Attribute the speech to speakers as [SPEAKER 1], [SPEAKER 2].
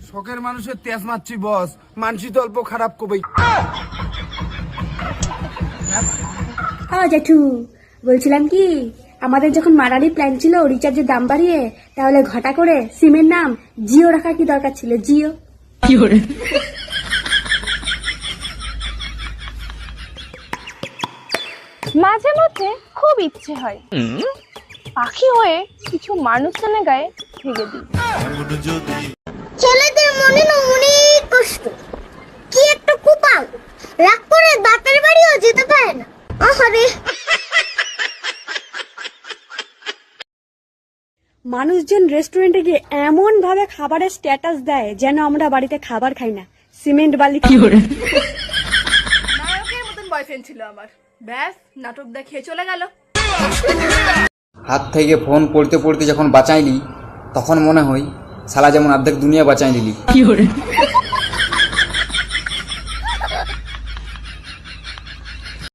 [SPEAKER 1] শখের মানুষের তেজ মারছি বস, মানসি তো অল্প খারাপ কবেই।
[SPEAKER 2] জেঠু বলছিলাম কি, আমাদের যখন মারারি প্ল্যান ছিল রিচার্জের দাম বাড়িয়ে, তাহলে ঘটা করে সিমের নাম জিও রাখার কি দরকার ছিল? জিও।
[SPEAKER 3] মাঝে মধ্যে খুব ইচ্ছে হয় পাখি হয়ে কিছু মানুষজনের গায়ে ভেঙে দিই।
[SPEAKER 4] ছেলেদের মনে না অনেক কষ্ট, কি একটা কুপাল, রাগ করে বাপের বাড়িও যেতে পারে না। আহারে,
[SPEAKER 2] মানুষজন রেস্টুরেন্টে গিয়ে এমন ভাবে খাবারের স্ট্যাটাস দেয় যেন আমরা বাড়িতে খাবার খাই না, সিমেন্ট বালি খাই।
[SPEAKER 3] নায়কের মতন বয়ফ্রেন্ড ছিল আমার, ব্যাস নাটক দেখিয়ে চলে গেল।
[SPEAKER 5] হাত থেকে ফোন পড়তে পড়তে যখন বাঁচাইলি, তখন মনে হয় শালা যেমন অর্ধেক দুনিয়া বাঁচাই দিলি।